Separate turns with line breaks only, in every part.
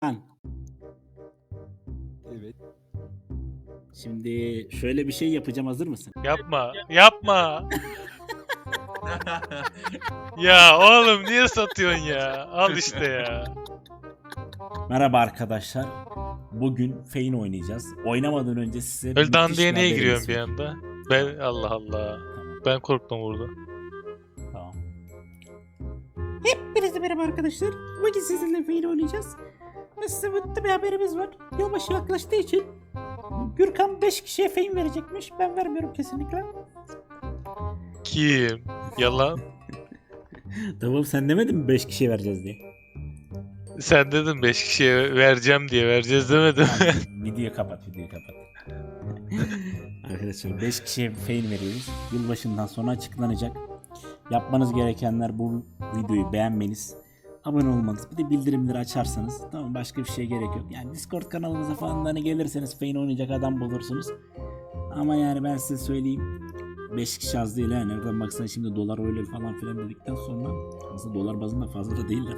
Ben.
Evet.
Şimdi şöyle bir şey yapacağım, hazır mısın?
Yapma. Yapma. Ya oğlum niye satıyorsun ya? Al işte ya.
Merhaba arkadaşlar. Bugün Fein oynayacağız. Oynamadan önce size
Öyle
müthiş bir
dandiye niye
haberimiz
giriyorsun bir
var.
anda? Ben Allah Allah.
Tamam,
Ben korktum burada.
tamam. Hepinize merhaba arkadaşlar. Bugün sizinle Fein oynayacağız. Ve size mutlu bir haberimiz var. Yılbaşı yaklaştığı için Gürkan 5 kişiye Fein verecekmiş. Ben vermiyorum kesinlikle.
Kim? Yalan.
Tamam, sen demedin mi 5 kişiye vereceğiz diye?
Sen dedin 5 kişiye vereceğim diye vereceğiz demedin mi?
Tamam, videoyu kapat. Arkadaşlar 5 kişiye Fein veriyoruz. Yılbaşından sonra açıklanacak. Yapmanız gerekenler bu videoyu beğenmeniz, abone olmanız, bir de bildirimleri açarsanız, tamam, başka bir şeye gerek yok. Yani Discord kanalımıza falan da hani gelirseniz Fein oynayacak adam bulursunuz. Ama yani ben size söyleyeyim, 5 kişi az değil ha. Nereden baksan şimdi dolar öyle falan filan dedikten sonra aslında dolar bazında fazla da değiller.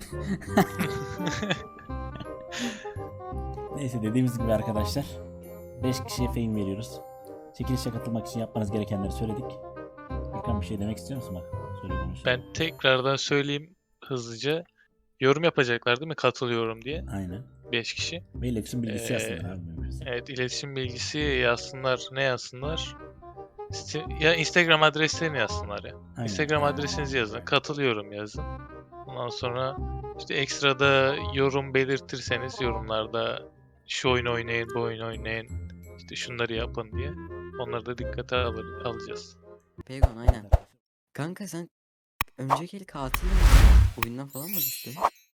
Neyse, dediğimiz gibi arkadaşlar 5 kişiye Fein veriyoruz. Çekilişe katılmak için yapmanız gerekenleri söyledik. Gürkan, bir şey demek istiyor musun? Bak, söyle konuş.
Ben tekrardan söyleyeyim hızlıca. Yorum yapacaklar değil mi? Katılıyorum diye.
Aynen.
5 kişi.
Ve iletişim bilgisi
Ee,
yazsınlar abi. Mümkünse.
Evet, iletişim bilgisi yazsınlar. Ne yazsınlar? Ya Instagram adreslerini yazsınlar ya.
Aynen.
Instagram adresinizi yazın. Katılıyorum yazın. Ondan sonra işte ekstrada yorum belirtirseniz yorumlarda şu oyunu oynayın, bu oyunu oynayın, işte şunları yapın diye. Onları da dikkate alacağız.
Peygon aynen. Kanka sen önceki el katil miydin? Oyundan falan mı düştün?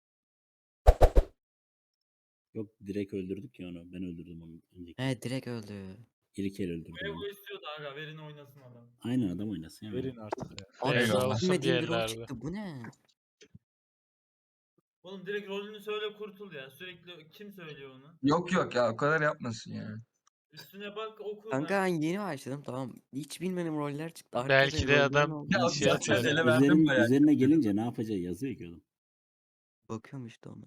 Yok, direkt öldürdük ya onu. Ben öldürdüm onu. Önceki.
He direkt öldü.
İlk el öldürdüm
Evo
onu.
istiyordu aga, verin oynasın adam.
Aynen, adam oynasın ya.
Verin artık ya.
Abi hiç
Eyvallah olsun
bilmediğim bir rol
diyenlerdi.
çıktı. Bu ne?
Oğlum direkt rolünü söyle, kurtul ya. Sürekli kim söylüyor onu?
Yok ya, o kadar yapmasın ya.
Üstüne bak, oku.
Kanka ben yeni başladım tamam. Hiç bilmediğim roller çıktı. Arkada
Belki de
roller
adam
oldu.
Ya
şey
zaten
atıyor.
ele verdim bayağı.
Üzerine gelince ne yapacağı yazıyor ki oğlum.
Bakıyorum işte ona.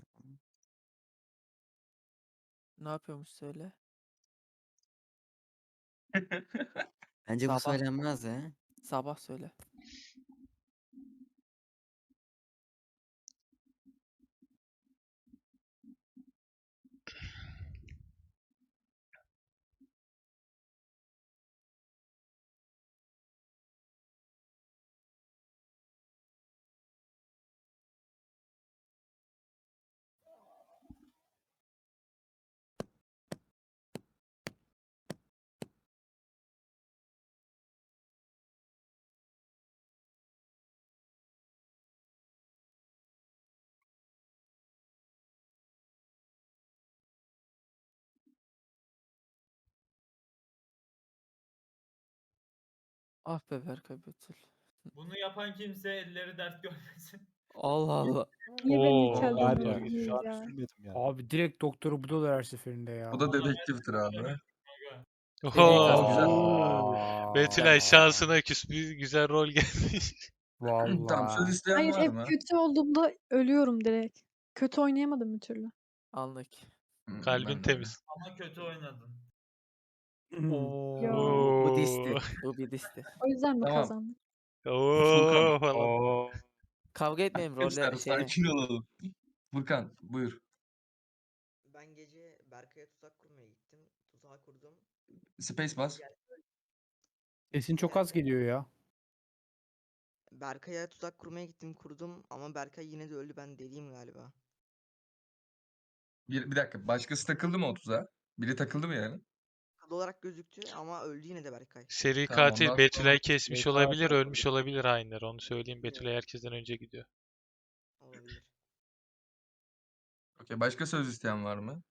Ne yapıyormuş söyle.
Bence bu
Sabah.
söylenmez he.
Sabah söyle. Ah be Berkay Betül.
Bunu yapan kimse elleri dert görmesin.
Allah Allah.
Niye beni hiç
Oo,
Var ya,
öldürmediniz
şu an
ya?
üzülmedim ya.
Abi direkt doktoru buluyorlar her seferinde ya.
Bu da dedektiftir abi.
Aga.
Oho. Betülay şansına küs bir güzel rol gelmiş.
Tamam, söz
Vallahi.
isteyen
Hayır,
var
hep
mı?
kötü olduğumda ölüyorum direkt. Kötü oynayamadım bir türlü.
Anlık.
Kalbin
Ben de.
temiz.
Ama kötü oynadın.
Bu
Oo.
disti. Bu bir disti.
O yüzden mi
Tamam.
kazandık?
Oo falan.
Oo.
Kavga etmeyin
Arkadaşlar
rolle şeye.
sakin olalım. Furkan buyur.
Ben gece Berkay'a tuzak kurmaya gittim. Tuzağı kurdum.
Space bas.
Sesin çok az geliyor ya.
Berkay'a tuzak kurmaya gittim, kurdum ama Berkay yine de öldü. Ben deliyim galiba.
Bir dakika. Başkası takıldı mı o tuzağa? Biri takıldı mı yani?
Kadı olarak gözüktü ama öldü yine de Berkay.
Seri
Tamam,
katil
ondan
Betülay
sonra-
kesmiş
Seri
olabilir,
katil.
ölmüş olabilir hainler. Onu söyleyeyim. Betülay herkesten önce gidiyor.
Olabilir.
Okey. Başka söz isteyen var mı?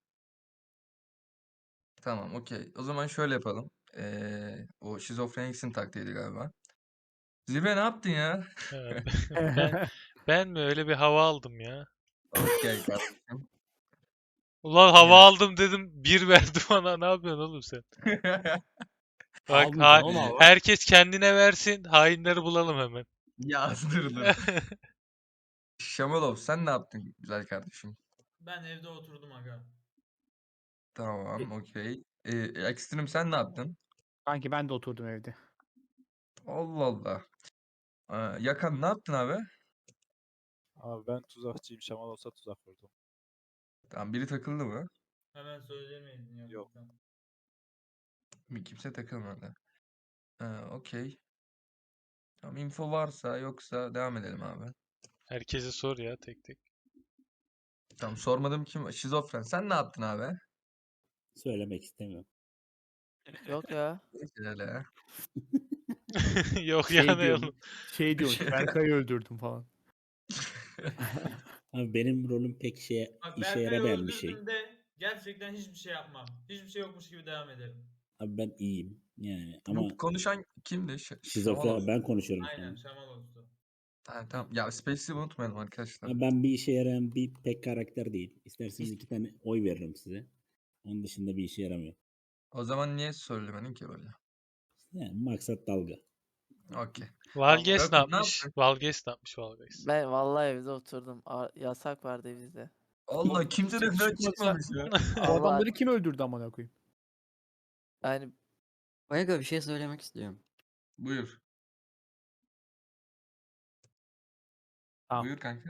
Tamam, okey. O zaman şöyle yapalım. O şizofreniksin taktiğiydi galiba. Zirve ne yaptın ya?
Ben mi öyle bir hava aldım ya?
Okey kardeşim.
Ulan hava
Ya.
aldım dedim, bir verdi bana. Ne yapıyorsun oğlum sen? Bak
Almayacaksın oğlum hava.
herkes kendine versin. Hainleri bulalım hemen.
Ya dur. Şamalov sen ne yaptın güzel kardeşim?
Ben evde oturdum aga.
Tamam, okey. Ekstrem sen ne yaptın?
Kanki ben de oturdum evde.
Allah Allah. Yakan ne yaptın abi?
Abi ben tuzakçıyım. Şamal olsa tuzak vurdum.
Tamam, biri takıldı mı?
Hemen söylemeydin ya.
Yok.
lütfen.
Kimse takılmadı. Okey. Tamam, info varsa yoksa devam edelim abi.
Herkese sor ya tek tek.
Tamam, sormadım kim? Şizofren. Sen ne yaptın abi?
Söylemek istemiyorum.
Yok ya.
Öyle.
Yok
Şey
yani
diyorum.
oğlum.
Şey diyormuş. Berkay'ı öldürdüm falan.
Abi benim rolüm pek
Bak
işe
Berkay'ı
yaramayan bir şey.
öldürdüğümde gerçekten hiçbir şey yapmam. Hiçbir şey yokmuş gibi devam ederim.
Abi ben iyiyim yani ama
Bu konuşan kimdi? Şamal
şizofren ben konuşuyorum şu
Aynen
an.
Şamal oldu.
Tamam. Ya Space'i unutmayalım arkadaşlar.
Abi ben bir işe yarayan bir pek karakter değil. İsterseniz 2 tane oy veririm size. Onun dışında bir işe yaramıyor.
O zaman niye söylemedin ki böyle?
Yani maksat dalga.
Okey.
Valges ne
Rakun ne
yapmış?
yaptın?
Valges ne yapmış Valges?
Ben vallahi evde oturdum. Yasak vardı evde.
Allah kimse de
Çıkmasa-
çıkmamış ya.
Bu
Allah
adamları kim öldürdü amına koyayım?
yani
Vega bir şey söylemek istiyorum.
Buyur.
Tamam.
Buyur kanka.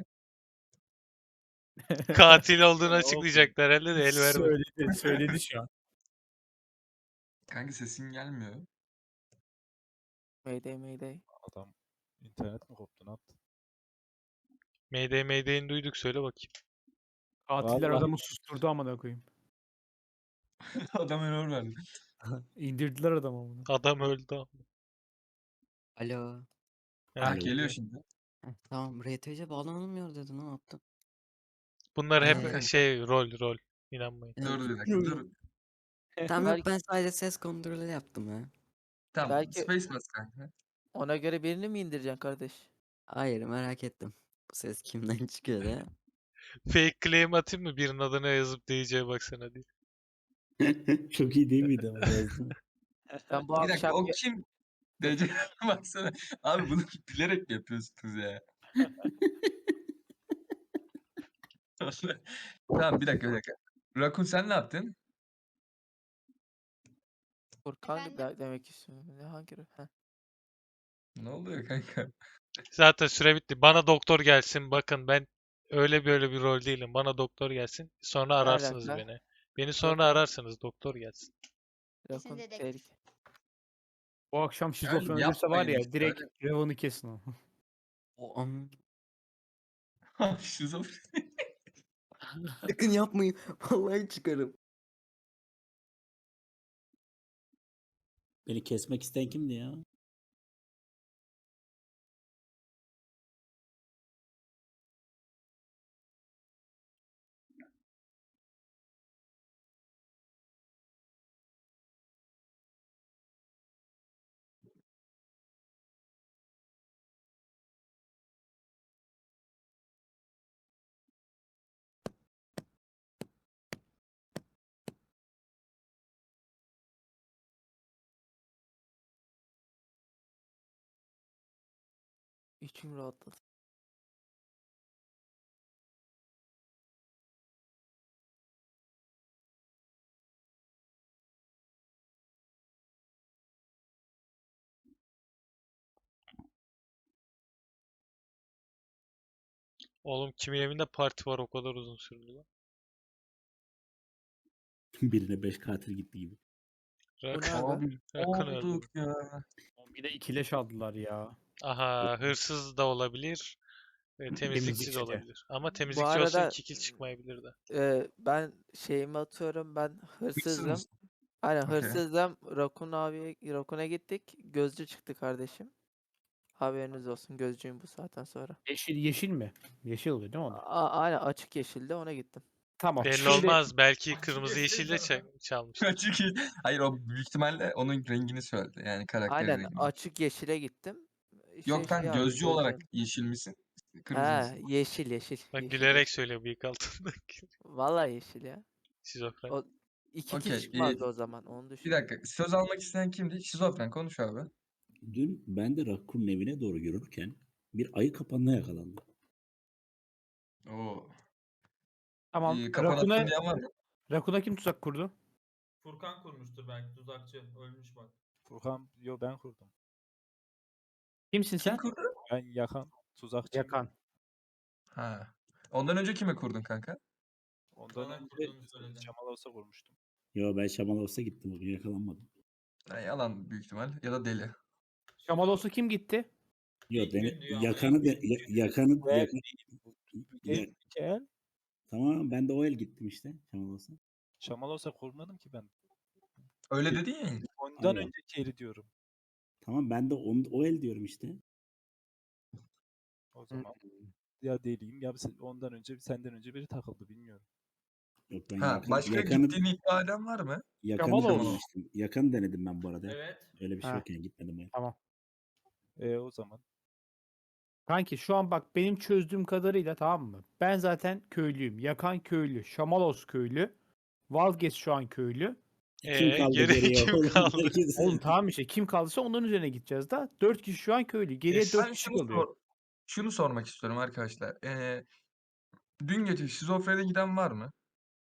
Katil olduğunu
Ne oldu?
açıklayacaklar herhalde de el verme.
Söyledi şu an.
Kanka sesin gelmiyor.
Mayday Mayday.
Adam internet mi koptu? Ne yaptı?
Mayday'ini duyduk söyle bakayım.
Katiller
Vallahi.
adamı susturdu amına koyayım.
Adam error verdi.
İndirdiler adamı amına.
Adam öldü ama.
Alo.
Ha,
Alo.
geliyor şimdi.
Tamam RTC bağlanılmıyor dedi ne yaptım?
Bunlar hep
Kanka.
rol. İnanmayın.
Dur bir dakika dur.
Tamam yok
Belki-
ben sadece ses kontrolü yaptım ya.
Tamam.
Belki-
Space bas kanka.
Ona göre birini mi indireceksin kardeş?
Hayır merak ettim. Bu ses kimden çıkıyor ya?
Fake claim atayım mı birinin adına yazıp DC'ye baksana diye.
Çok iyi değil miydi ama yazdım.
Ben bu
Bir dakika
akşam
o kim? DC baksana. Abi bunu bilerek mi yapıyorsunuz ya? Tamam bir dakika. Rakun sen ne yaptın?
Furkan demek istiyorum. Ne hangi? Heh.
Ne oluyor kanka?
Zaten süre bitti. Bana doktor gelsin. Bakın ben öyle böyle bir rol değilim. Bana doktor gelsin. Sonra ararsınız
alaka?
beni. Beni sonra
Doktor-
ararsınız. Doktor gelsin.
Rakun tehlike.
Bu akşam şizofren
Yani
ölürse var
yapmayın
ya
işte,
direkt Revan'ı kesin o.
O an.
Şizofren.
Sakın yapmayın. Vallahi çıkarım.
Beni kesmek isteyen kimdi ya?
İçim rahatladı.
Oğlum kimin evinde parti var o kadar uzun sürdü lan.
Birine 5 katil gitti gibi.
Bu ne
Rakun,
aga?
Abi
Rakun öldü.
olduk ya.
Bir de ikileş aldılar ya.
Aha hırsız da olabilir. Temizlikçi
Temizlikçi
de
de.
olabilir. Ama temizlikçi olsa
arada-
2 kill çıkmayabilir de.
Ben şeyimi atıyorum. Ben hırsızdım.
mısın?
Aynen
Okey.
hırsızdım. Rakun'a gittik. Gözcü çıktı kardeşim. Haberiniz olsun. Gözcüyüm bu saatten sonra.
Yeşil mi? Yeşil oluyor değil mi onlar?
Aynen açık yeşilde ona gittim.
Tamam.
Belli
Şimdi
olmaz. Belki
Açık
kırmızı
yeşil
yeşil de
zaten.
çalmış.
Çünkü hayır o büyük ihtimalle onun rengini söyledi. Yani karakter
Aynen
rengini.
açık yeşile gittim.
Yok
Şey
sen
aldım,
gözcü olarak
gözcüyüm.
yeşil misin? Kırmızı
He
mısın?
yeşil yeşil.
Bak
yeşil,
gülerek
yeşil.
söylüyor bıyık altındaki.
Vallahi yeşil ya.
Şizofren.
O 2
Okey,
kill çıkmazdı o zaman. Onu
Bir
düşün.
dakika. Söz almak isteyen kimdi? Şizofren konuş abi.
Dün ben de Rakkun'un evine doğru yürürken bir ayı kapanına yakalandım.
Oo.
Tamam.
Kapan attın
Rakun'a,
diyen var mı?
Rakun'a kim tuzak kurdu?
Furkan kurmuştur belki tuzakçı. Ölmüş bak.
Furkan, yo ben kurdum.
Kimsin
Kim
sen?
kurdu?
Ben Yakan tuzakçıyım.
Yakan.
Ha. Ondan önce kimi kurdun kanka?
Ondan
Bana
önce
kurduğunu söyledi.
Şamal olsa kurmuştum.
Yo ben Şamalos'a gittim bugün yakalanmadım.
Ha, yalan büyük ihtimal ya da deli.
Şamal olsa kim gitti?
Yo
İlk
beni
gün diyor ama,
yakanı
ilk
da
gün.
yakanı
Bu el
yakan,
değil. Bu
ya,
değil ki el.
tamam ben de o el gittim işte Şamalos'a.
Şamal olsa kurmadım ki ben.
Öyle dedin ya.
Ondan
Allah.
önceki eli diyorum.
Tamam ben de o el diyorum işte.
O zaman ya deliyim ya ondan önce senden önce biri takıldı bilmiyorum.
Yok ben
Ha, başka gittiğini iddia eden var mı?
yakanı
Şamalos.
denemiştim. Yakanı denedim ben bu arada.
Evet.
Öyle bir şey
Ha.
yok yani gitmedim ben.
Tamam.
O zaman.
Kanki şu an bak benim çözdüğüm kadarıyla, tamam mı? Ben zaten köylüyüm. Yakan köylü. Şamalos köylü. Vazgeç şu an köylü.
Kim kaldı
geri
geriye?
kim
Oğlum,
kaldı?
sekiz.
Oğlum tamam işte, kim kaldıysa onların üzerine gideceğiz da. 4 kişi şu an köylü. Geriye 4
Ben
kişi kalıyor.
şunu sormak istiyorum arkadaşlar. Dün gece şizofrene giden var mı?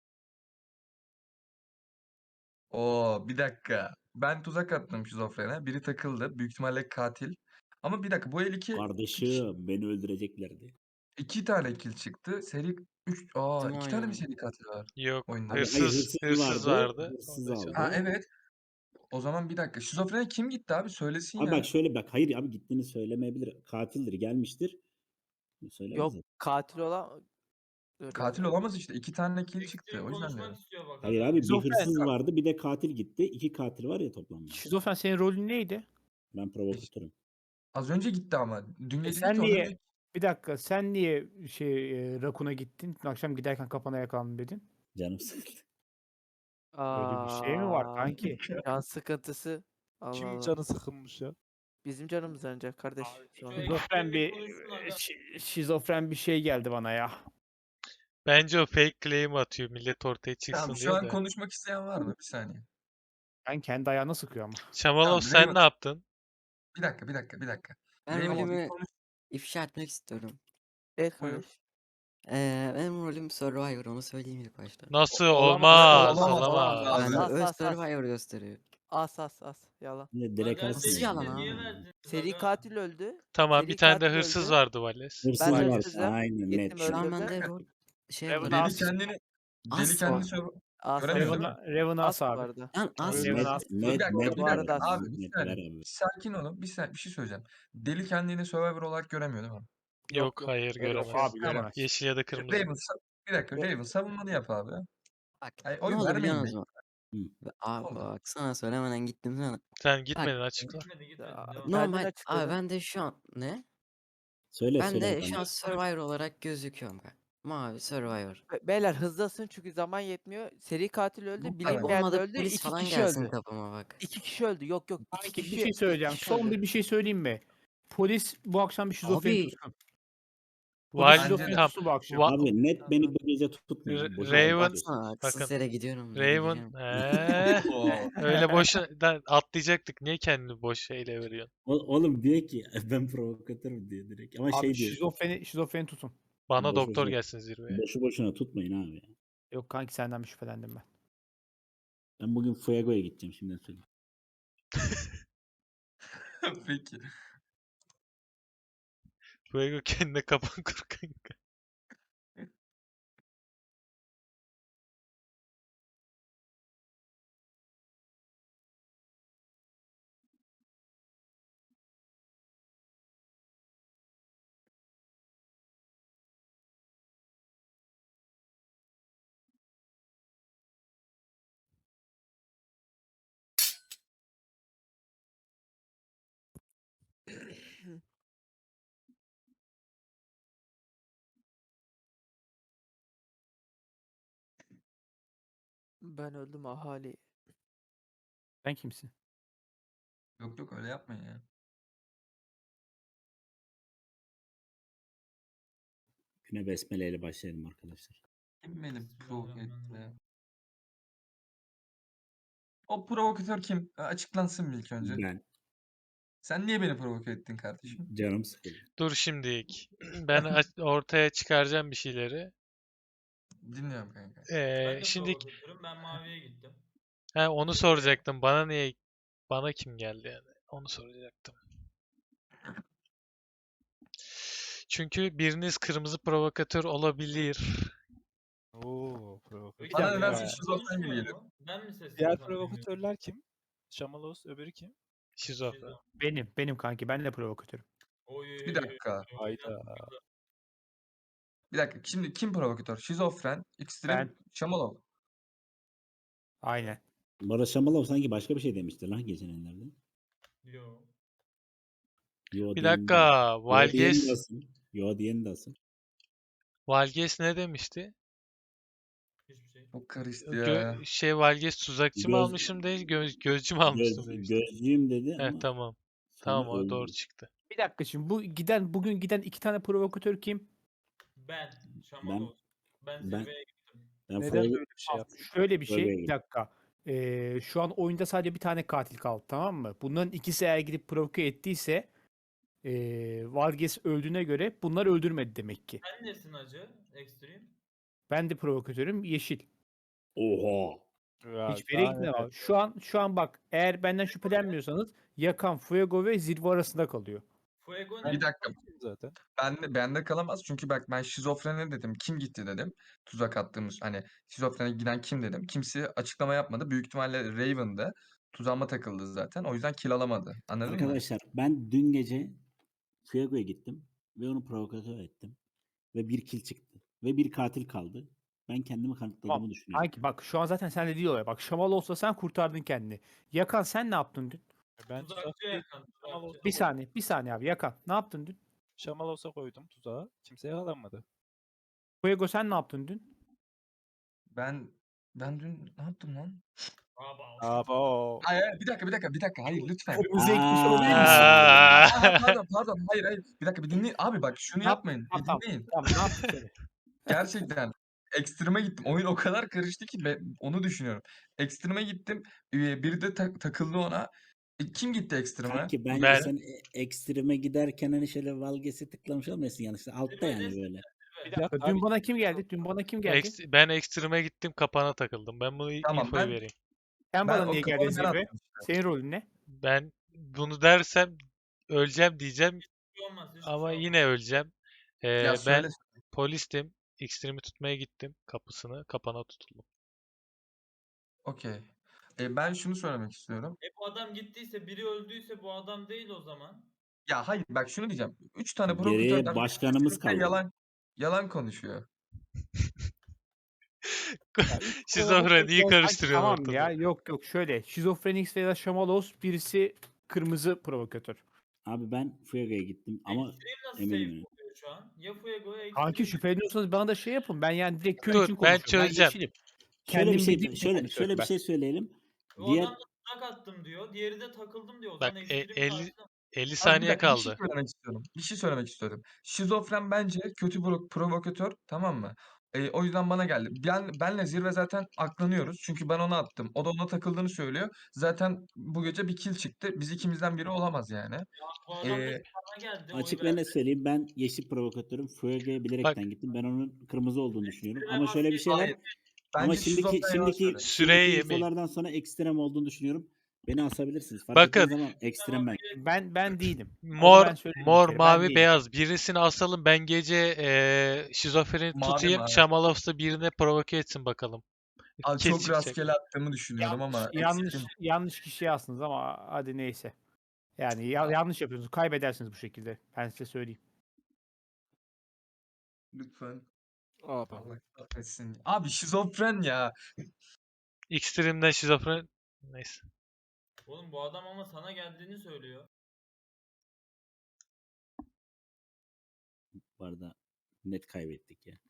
Oo, bir dakika. Ben tuzak attım şizofrene. Biri takıldı. Büyük ihtimalle katil. Ama bir dakika, bu el
Kardeşim beni öldüreceklerdi.
iki tane kill çıktı. Seri 3
Tüm
iki tane mi
oyunu.
seri katil var
Yok.
oyunda?
Abi hayır
Hırsız
hırsız
vardı.
Hırsız
Ondan sonra-
Ha
aldı.
evet. O zaman bir dakika. Şizofrene kim gitti abi? Söylesin
Abi
ya.
bak şöyle bak hayır abi gittiğini söylemeyebilir. Katildir gelmiştir. Söylemez
Yok,
zaten.
katil olan... Dur
Katil
ya.
olamaz işte. İki tane kill çıktı.
Ekstrem
O yüzden
konuşmak
dedim.
istiyor bak.
Hayır
adam.
abi bir
Şizofren.
hırsız vardı bir de katil gitti. İki katil var ya toplamda.
Şizofren, senin rolün neydi?
Ben provokatörüm.
Az önce gitti ama. Dün gece değil
Sen
ki. Ondan
niye,
önce
bir dakika, sen niye Rakun'a gittin? Dün akşam giderken kapana yakalandım dedin.
Canım sıkıldı.
Öyle bir şey mi var
Aa,
kanki?
can sıkıntısı. Allah
Kimin
Allah.
canı sıkılmış ya?
Bizim canımız yanacak kardeş.
Şu
Sonra.
ekstrem
Şizofren bir
konuşsun aga.
şizofren bir şey geldi bana ya.
Bence o fake claim atıyor millet ortaya çıksın
Tamam, şu
diye
an
de.
konuşmak isteyen var mı? Bir saniye.
Ben kendi ayağına sıkıyor ama.
Şamalos
Tamam,
sen ne yaptın?
Bir dakika.
Ben
Raymond, bir
rolümü
konuş.
ifşa etmek istiyorum.
Evet
Buyur.
kardeş.
Benim rolüm Survivor, onu söyleyeyim ilk başta.
Nasıl
Olamaz,
olmaz?
olamaz.
Bende
As,
öz
as, as.
Survivor gösteriyor.
As. Yalan.
Yine direkt
Aga,
alsın.
Nasıl yalan abi?
Niye verdin?
Seri katil öldü.
Tamam
Seri
bir tane de
katil
hırsız
öldü.
vardı Vales.
Hırsız
Ben
var.
hırsızım.
Aynen net.
Gittim
Şu an
öldürdüm.
bende rol şey
Raven
yapıyor.
Deli
as.
kendini
As
kendini
var.
As.
Göremiyor değil mi?
Raven'a
As
as
bu
abi.
arada.
Lan as
Raven
var.
as.
Net
Bu arada as.
Abi bir
net
saniye.
ver abi.
Bir sakin olun. Bir şey söyleyeceğim. Deli kendini Survivor olarak göremiyor değil mi?
Yok hayır
Öyle bir
göremez.
şey yok.
Abi
Tamam.
göremez.
Yeşil ya da kırmızı.
Bir dakika. Raven savunmanı yap abi.
Bak
Ay,
ne
oy
oldu biliyor
vermeyin
musun?
Hı.
Abi
Oldu.
bak, sana söylemeden gittim sana.
Sen gitmedin açıkla.
Gitmedi.
Aa,
Devam.
Kendin
Normal
açıkladın.
abi, ben de şu an ne?
Söyle
Ben
söyle.
de
bakalım.
şu an Survivor olarak gözüküyorum ben. Mavi Survivor.
Beyler hızlasın çünkü zaman yetmiyor. Seri katil öldü.
Bu
Ay
Bilinmeyen de
olmadı,
öldü.
polis
2
falan
kişi
gelsin
öldü.
kapıma bak.
2 kişi öldü. Yok. 2
Kanki
kişi.
bir şey söyleyeceğim.
iki kişi
Son
öldü.
bir şey söyleyeyim mi? Polis bu akşam bir şizofreni
Abi.
tutsun.
Val
Bence
Şizofreni
de.
tam
tutsun bu akşam.
Abi net beni bu gece tutmayın.
R-
Boşuna
Raven-
konuşuyorsun.
Baksana haksız
Bakın,
yere gidiyorum.
Raven
delireceğim.
öyle boşuna atlayacaktık. Niye kendini boş şeyle veriyorsun?
Oğlum diyor ki ben provokatörüm diyor direkt. Ama
Abi
şey diyor.
şizofreni tutun.
Bana
Boş
doktor
boşuna-
gelsin zirveye.
Boşu boşuna tutmayın abi. Ya.
Yok kanki, senden bir şüphelendim ben.
Ben bugün Fuego'ya gideceğim şimdiden söyleyeyim.
Peki.
Fuego kendine kapan kur kanka.
Ben öldüm ahali.
Sen kimsin?
Yok öyle yapmayın ya.
Güne besmele ile başlayalım arkadaşlar.
Kim beni provoke etti?
Bismillahirrahmanirrahim.
O provokatör kim? Açıklansın bir ilk önce.
Ben
Sen niye beni provoke ettin kardeşim?
canım sıkıldı.
Dur şimdilik. Ben ortaya çıkaracağım bir şeyleri.
Dinliyorum kanka.
Ben de
Şimdi
provokatörüm. Ben maviye gittim.
onu soracaktım. Bana kim geldi yani? Onu soracaktım. Çünkü biriniz kırmızı provokatör olabilir.
Oo, provokatör.
Peki
Bana
Ya.
nedense
diğer
şizofren gibi
konuşmuyor
geliyor.
mu? Ben mi sesimi
Diğer
tam duymuyorum?
provokatörler kim? Şamalos, öbürü kim?
Şizofren.
Benim kanki. Ben de provokatörüm.
Oy.
Bir dakika.
Hayda.
Bir dakika. Şimdi kim provokatör? Şizofren, Extreme,
Ben.
Şamalov.
Aynen.
Barış Şamalov sanki başka bir şey demişti lan geçenlerde.
Yo.
Yo
Bir
diyen de.
dakika.
Yo diyen de
Valges
asıl. Yo diyen de asıl.
Valges ne demişti?
Hiçbir şey.
Çok karıştı ya.
Valges tuzakçı mı
Göz,
almışım değil, gözcü mü almışım demişti.
gözcüyüm dedi
He
ama
tamam.
sonra
Tamam o doğru
öldü.
çıktı.
Bir dakika şimdi bugün giden 2 tane provokatör kim?
Ben.
Ben
Şamaloz. Ben
ben
zirveye gittim.
ben
Neden
Fuego,
böyle bir şey yaptın?
Şöyle bir
Fuego'ya
şey. Bir
gittim.
dakika. Şu an oyunda sadece bir tane katil kaldı, tamam mı? Bunların ikisi eğer gidip provoke ettiyse Vargas öldüğüne göre bunlar öldürmedi demek ki.
Sen nesin acı? Extreme.
Ben de provokatörüm yeşil.
Oha.
Ya,
Hiçbir yere
daha
gitmedi
neler.
ama. Şu an bak, eğer benden şüphelenmiyorsanız Yakan, Fuego ve Zirve arasında kalıyor.
Fuego
Bir
ne?
dakika.
Zaten.
Bende kalamaz çünkü bak ben şizofrene dedim. Kim gitti dedim. Tuzak attığımız hani şizofrene giden kim dedim. Kimse açıklama yapmadı. Büyük ihtimalle Raven'dı. Tuzağıma takıldı zaten. O yüzden kill alamadı. Anladın mı?
Arkadaşlar ben dün gece Fuego'ya gittim ve onu provokatör ettim. Ve bir kill çıktı. Ve bir katil kaldı. Ben kendimi kanıtladığımı
Tamam.
düşünüyorum.
Kanki bak, şu an zaten sen de değil olay. Bak, Şamal olsa sen kurtardın kendini. Yakan, sen ne yaptın dün?
Ben
Tuzakçı
tuzakçı
yakan.
Şamalos'a
Bir saniye, bir saniye abi. Yakan, ne yaptın dün?
Şamalos'a koydum tuzağa. Kimse yakalanmadı.
Fuego, sen ne yaptın dün?
Ben dün ne yaptım lan?
Abo.
Hayır, hayır, bir dakika. Hayır lütfen.
Kırmızı ekmiş olabilir misin?
Aa.
Pardon. Hayır. Bir dakika bir dinleyin. Abi bak şunu
Ne
yapmayın.
yaptın?
Bir
Tamam,
dinleyin.
tamam, ne yaptın söyle.
Gerçekten ekstreme gittim. Oyun o kadar karıştı ki ben onu düşünüyorum. Ekstreme gittim. Biri de takıldı ona. Kim gitti ekstreme?
Kanki bence
Ben
sen ekstreme giderken hani şöyle Valges'e tıklamış olmasın yanlışlıkla. Altta yani
Zirvedesin.
böyle.
Bir dakika, dün bana kim geldi? Dün bana kim geldi?
ben ekstreme gittim, kapana takıldım. Ben bunu
Tamam
infoyu
ben
vereyim.
Sen
ben
bana
o
niye
kafanı
geldin
ben
Zirve?
attım işte.
Senin rolün ne?
Ben bunu dersem öleceğim diyeceğim
Hiçbir şey olmaz. Hiçbir
ama
şey olmaz.
yine öleceğim.
Ya söyle.
Ben polistim. Ekstremi tutmaya gittim. Kapana tutuldum.
Okey. Ben şunu söylemek istiyorum.
Bu adam gittiyse, biri öldüyse bu adam değil o zaman.
Ya hayır bak şunu diyeceğim. 3 tane
Geriye
provokatörden
başkanımız
kesinlikle
kaldı.
yalan konuşuyor.
Ya, üç
Şizofren iyi
provokatör-
karıştırıyor
Tamam
ortalığı.
ya, yok şöyle. Şizofrenix veya Şamalos, birisi kırmızı provokatör.
Abi ben Fuego'ya gittim ama
Extreme nasıl
eminim
safe
yani.
oluyor şu an? Ya Fuego ya
Kanki,
Extreme.
şüpheleniyorsanız bana da şey yapın. Ben yani direkt köy
Dur,
için
ben
konuşuyorum. Ben
çözeceğim.
yeşilim.
Şöyle bir
Kendim
şey
bildiğim için
şöyle
konuşuyorum
bir
ben.
şey söyleyelim.
O
Diğer
adam da tuzak attım diyor. Diğeri de takıldım diyor. O
Bak
zaman Extreme
50
karşı.
50
Abi bir
saniye
dakika bir şey
kaldı.
söylemek istiyorum. Bir şey söylemek istiyorum. Şizofren bence kötü provokatör, tamam mı? O yüzden bana geldi. Benle Zirve zaten aklanıyoruz. Çünkü ben ona attım. O da ona takıldığını söylüyor. Zaten bu gece bir kill çıktı. Biz ikimizden biri olamaz yani.
Bu adam da
Ee,
sana geldi.
açık
Oy
ve
verdi.
net söyleyeyim, ben yeşil provokatörüm. Fuego'ya
Bak
bilerekten gittim. Ben onun kırmızı olduğunu düşünüyorum.
Extreme
Ama şöyle bir şey var.
hayır.
Ama
Bence şizofren yalan söylüyor.
Süreyi yemeyin.
infolardan sonra ekstrem olduğunu düşünüyorum. Beni asabilirsiniz. Fark
Bakın.
ettiğiniz zaman ekstrem ben.
Ben değilim. Onu
Mor,
ben söyleyeyim bir
mor,
kere. Ben
mavi,
değilim.
beyaz. Birisini asalım. Ben gece şizofreni
Mavi
tutayım.
mavi.
Şamalovs'ta birine provoke etsin bakalım.
Abi
Kes
çok
çıkacak.
rastgele attığımı düşünüyorum ama
Yanlış kişiye astınız ama hadi neyse. Yani yanlış yapıyorsunuz. Kaybedersiniz bu şekilde. Ben size söyleyeyim.
lütfen.
Abo.
Allah kahretsin. Abi şizofren ya.
Extreme'den şizofren. Neyse.
Oğlum bu adam ama sana geldiğini söylüyor.
Bu arada net kaybettik ya.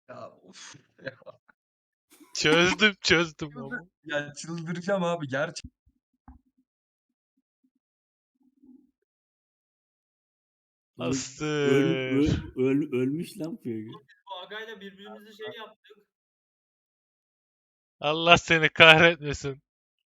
Ya of. Ya,
Çözdüm ama.
ya çıldıracağım abi gerçekten.
Oğlum,
Astır.
ölmüş lan Fuego.
Bu agayla birbirimizi şey yaptık.
Allah seni kahretmesin.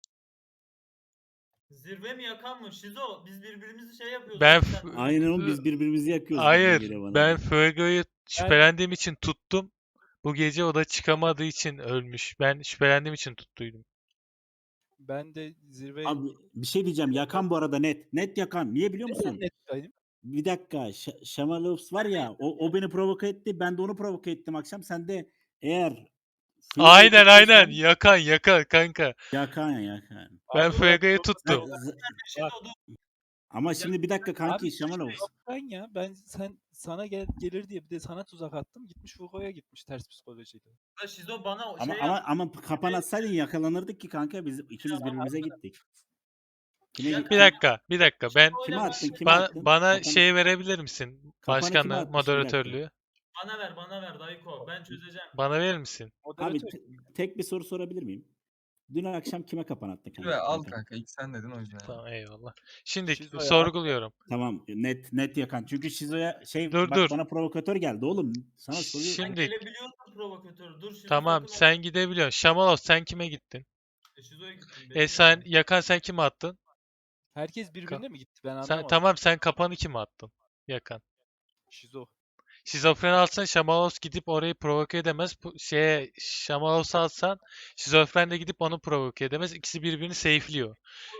Zirve mi yakan mı? Şizo biz birbirimizi şey yapıyorduk.
Ben
sen-
Aynen oğlum biz birbirimizi yakıyoruz. gibi
Hayır,
geliyor bana.
ben Fuego'yu şüphelendiğim için tuttum. Bu gece o da çıkamadığı için ölmüş. Ben şüphelendiğim için tuttuydum.
Ben de zirve
Abi bir şey diyeceğim. Yakan bu arada net. Net yakan. Niye biliyor musun?
netteydim.
Bir dakika. Şamalovs var ya. O beni provoke etti. Ben de onu provoke ettim akşam. Sen de eğer
Aynen. Yakan kanka.
Yakan.
Ben
Abi,
Fuego'yu
Ben-
tuttum.
Şizo dur.
Ama şimdi bir dakika kanki
Abi,
Şamalovs.
yok ben sana gelir diye bir de sana tuzak attım. Gitmiş Fugo'ya gitmiş ters psikolojiyle.
Da Şizo bana
Ama
şey
ama kapan atsaydın yakalanırdık ki kanka. Biz ikimiz birbirimize gittik. Kime
Ya
gittik?
Bir dakika. Ben
Kime attın?
bana
Kapanı-
şey verebilir misin?
Kapanı kime
Başkanlığı,
atmış? Bir dakika.
moderatörlüğü.
Bana ver Dayko. Ben çözeceğim.
Bana verir misin?
Abi
Moderatör.
tek bir soru sorabilir miyim? Dün akşam kime kapan attın kanka?
Ve al
Yakan.
kanka ilk sen dedin o yüzden.
Tamam eyvallah. Şimdi
Şizo'ya
sorguluyorum.
Tamam net yakan. Çünkü Şizo'ya
Dur,
bak
dur.
bana provokatör geldi oğlum. Sana soruyor.
Şimdi-
Gelebiliyorsun provokatör. Dur Şizo
Tamam
sakın
sen gidebiliyorsun. Şamalos sen kime gittin?
Şizo'ya gittim.
Sen Yakan sen kime attın?
Herkes birbirine mi gitti? Ben
Sen
anlamadım.
tamam sen kapanı kime attın? Yakan.
Şizo.
Şizofreni alsan Şamalos gidip orayı provoke edemez. Şamalos'u alsan şizofren de gidip onu provoke edemez. İkisi birbirini safe'liyor.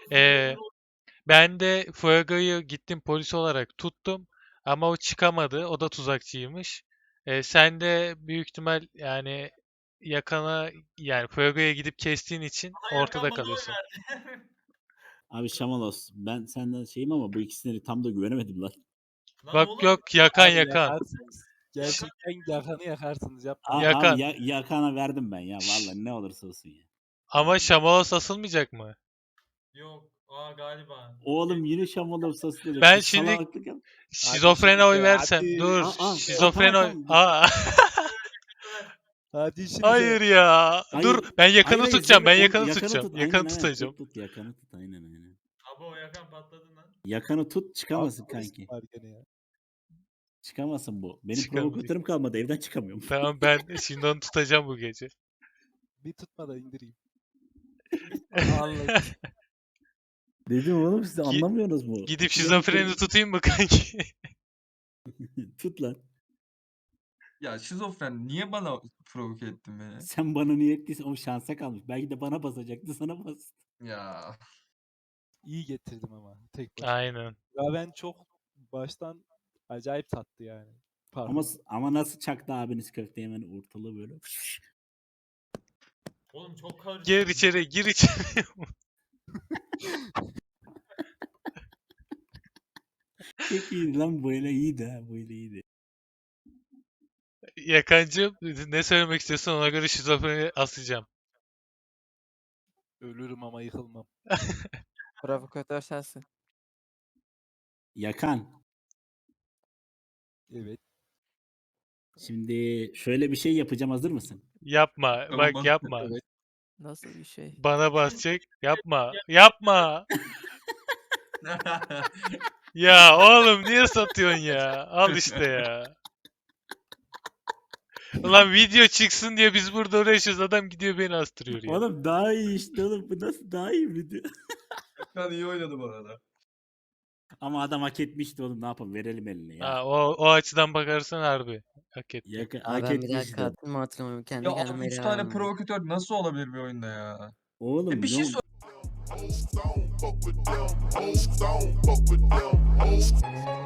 Ben de Fuego'yu gittim polis olarak tuttum. Ama o çıkamadı. O da tuzakçıymış. Sen de büyük ihtimal yani Yakan'a yani Fuego'ya gidip kestiğin için ortada kalıyorsun.
Abi Şamalos ben senden şeyim ama bu ikisine tam da güvenemedim lan.
Bak yok Yakan.
Yakarsınız. Gerçekten yakanı yakarsınız. Yapma.
Yakan.
Abi Yakan'a verdim ben ya vallahi ne olursa olsun ya.
Ama Şamalos asılmayacak mı?
Yok. Galiba.
Oğlum yine Şamalos asılıyor.
Ben
Bir
şimdi-
salaklık yap-
Şizofrene oy
şimdi,
versen.
hadi.
Dur. Şizofrene oy.
Tamam.
Hadi şimdi.
Hayır ya.
Hayır.
Dur ben Yakan'ı
Hayır,
tutacağım. Ben
Zirve-
Yakan'ı
Yakan'ı
tutacağım.
tut,
Yakan'ı
aynen,
tutacağım.
Tut Yakan'ı tut aynen.
Abi o yakan patladı lan.
Yakan'ı tut çıkamasın kanki. Çıkamasın bu. Benim
Çıkamayacak.
provokatörüm kalmadı evden çıkamıyorum.
Tamam ben şimdi onu tutacağım bu gece.
Bir tutma da indireyim.
Anladım.
Dedim oğlum siz anlamıyorsunuz mu?
Gidip şizofreni tutayım mı kanki?
Tut lan.
Ya şizofren niye bana provoke ettin beni?
Sen bana niye ettiysen o şansa kalmış. Belki de bana basacaktı sana bastı.
Ya
İyi getirdim ama. Tek başına.
Aynen.
Ya ben çok baştan acayip tattı yani. Pardon.
Ama nasıl çaktı abiniz köfte hemen ortalığı böyle.
Oğlum çok karışık.
Gir içeri, gir içeri.
Çok iyiydi lan böyle iyiydi ha böyle iyiydi.
Yakancığım ne söylemek istiyorsun ona göre şizofreni asacağım.
Ölürüm ama yıkılmam.
Provokatör sensin.
Yakan.
Evet.
Şimdi şöyle bir şey yapacağım hazır mısın?
Yapma.
Tamam,
Bak yapma.
Evet.
Nasıl bir şey?
Bana basacak. Yapma. Yapma. Ya oğlum niye satıyorsun ya? Al işte ya. Ulan video çıksın diye biz burada uğraşıyoruz. Adam gidiyor beni astırıyor ya.
Oğlum daha iyi işte oğlum bu nasıl daha iyi video.
Yakan iyi oynadı bu arada.
Ama adam hak etmişti oğlum ne yapalım verelim eline ya.
Ha, o açıdan bakarsan harbi. Hak etti.
Yakan,
Abi
hak
ben bir daha
etmişti.
katil mi hatırlamıyorum. Kendi
Ya
kendime
abi 3
ele
tane
verdim.
provokatör nasıl olabilir bir oyunda ya?
Oğlum
Bir şey
ne-
sor.
Old stone, fuck with them. Old stone, fuck with them. Old